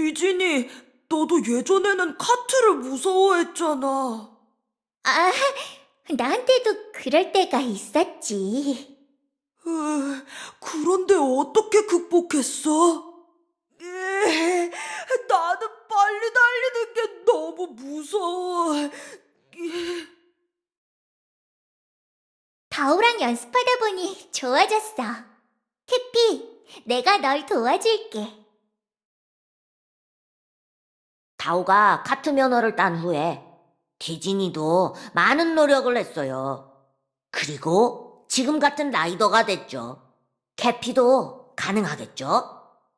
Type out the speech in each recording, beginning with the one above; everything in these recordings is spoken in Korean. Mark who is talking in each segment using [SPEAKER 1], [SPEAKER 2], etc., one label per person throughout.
[SPEAKER 1] 디즈니, 너도 예전에는 카트를 무서워했잖아.
[SPEAKER 2] 아, 나한테도 그럴 때가 있었지.
[SPEAKER 1] 그런데 어떻게 극복했어? 나는 빨리 달리는 게 너무 무서워.
[SPEAKER 2] 다오랑 연습하다 보니 좋아졌어. 캐피, 내가 널 도와줄게.
[SPEAKER 3] 다오가 카트 면허를 딴 후에 디즈니도 많은 노력을 했어요. 그리고 지금 같은 라이더가 됐죠. 캐피도 가능하겠죠?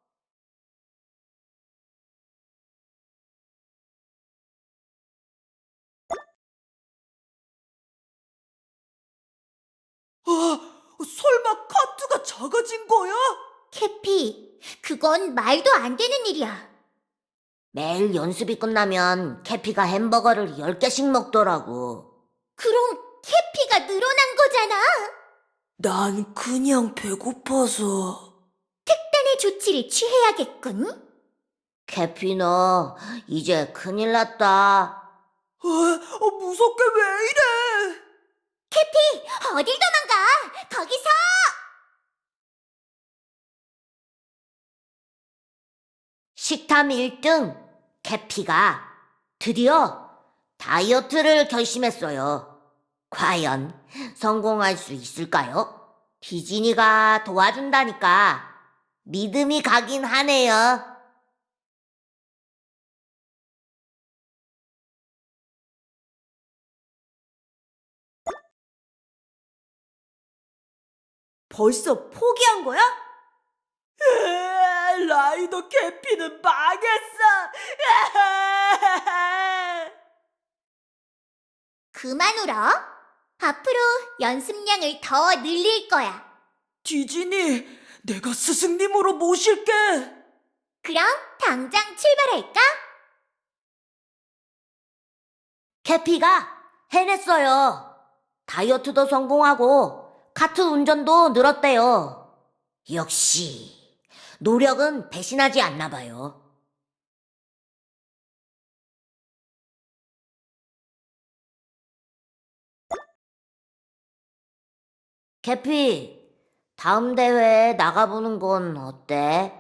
[SPEAKER 1] 설마 카트가 작아진 거야?
[SPEAKER 2] 캐피, 그건 말도 안 되는 일이야.
[SPEAKER 3] 매일 연습이 끝나면 캐피가 햄버거를 10개씩 먹더라고.
[SPEAKER 2] 그럼 캐피가 늘어난 거잖아.
[SPEAKER 1] 난 그냥 배고파서.
[SPEAKER 2] 특단의 조치를 취해야겠군.
[SPEAKER 3] 캐피 너 이제 큰일 났다.
[SPEAKER 1] 무섭게 왜 이래?
[SPEAKER 2] 캐피, 어딜 도망가? 거기서!
[SPEAKER 3] 식탐 1등 캐피가 드디어 다이어트를 결심했어요. 과연 성공할 수 있을까요? 디즈니가 도와준다니까 믿음이 가긴 하네요.
[SPEAKER 1] 벌써 포기한 거야? 라이더 캐피는 망했어.
[SPEAKER 2] 그만 울어. 앞으로 연습량을 더 늘릴 거야.
[SPEAKER 1] 디즈니, 내가 스승님으로 모실게.
[SPEAKER 2] 그럼 당장 출발할까?
[SPEAKER 3] 캐피가 해냈어요. 다이어트도 성공하고 카트 운전도 늘었대요. 역시 노력은 배신하지 않나 봐요. 캐피, 다음 대회에 나가보는 건 어때?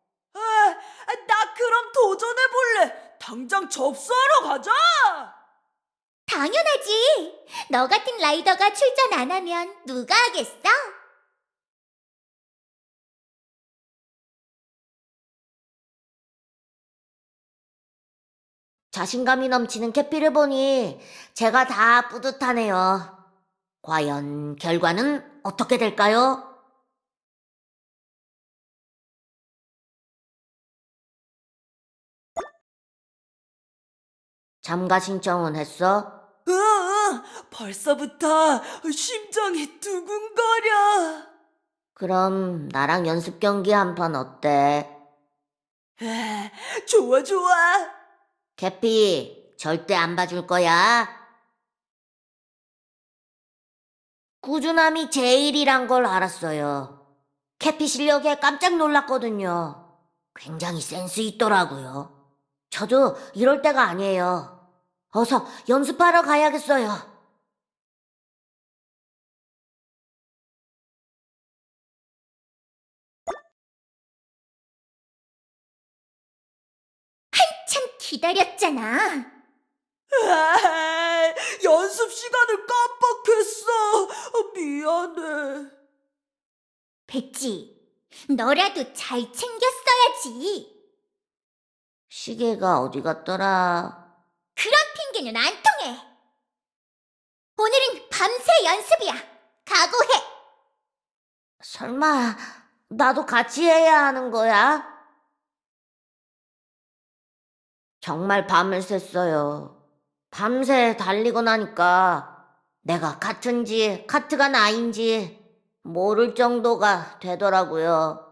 [SPEAKER 1] 나 그럼 도전해볼래. 당장 접수하러 가자.
[SPEAKER 2] 당연하지. 너 같은 라이더가 출전 안 하면 누가 하겠어?
[SPEAKER 3] 자신감이 넘치는 캐피를 보니 제가 다 뿌듯하네요. 과연 결과는 어떻게 될까요? 참가 신청은 했어?
[SPEAKER 1] 벌써부터 심장이 두근거려.
[SPEAKER 3] 그럼 나랑 연습 경기 한 판 어때?
[SPEAKER 1] 좋아, 좋아.
[SPEAKER 3] 캐피, 절대 안 봐줄 거야. 꾸준함이 제일이란 걸 알았어요. 캐피 실력에 깜짝 놀랐거든요. 굉장히 센스 있더라고요. 저도 이럴 때가 아니에요. 어서 연습하러 가야겠어요.
[SPEAKER 2] 참 기다렸잖아.
[SPEAKER 1] 연습 시간을 깜빡했어. 미안해.
[SPEAKER 2] 백지, 너라도 잘 챙겼어야지.
[SPEAKER 3] 시계가 어디 갔더라?
[SPEAKER 2] 그런 핑계는 안 통해. 오늘은 밤새 연습이야. 각오해.
[SPEAKER 3] 설마 나도 같이 해야 하는 거야? 정말 밤을 샜어요. 밤새 달리고 나니까 내가 카트인지 카트가 나인지 모를 정도가 되더라고요.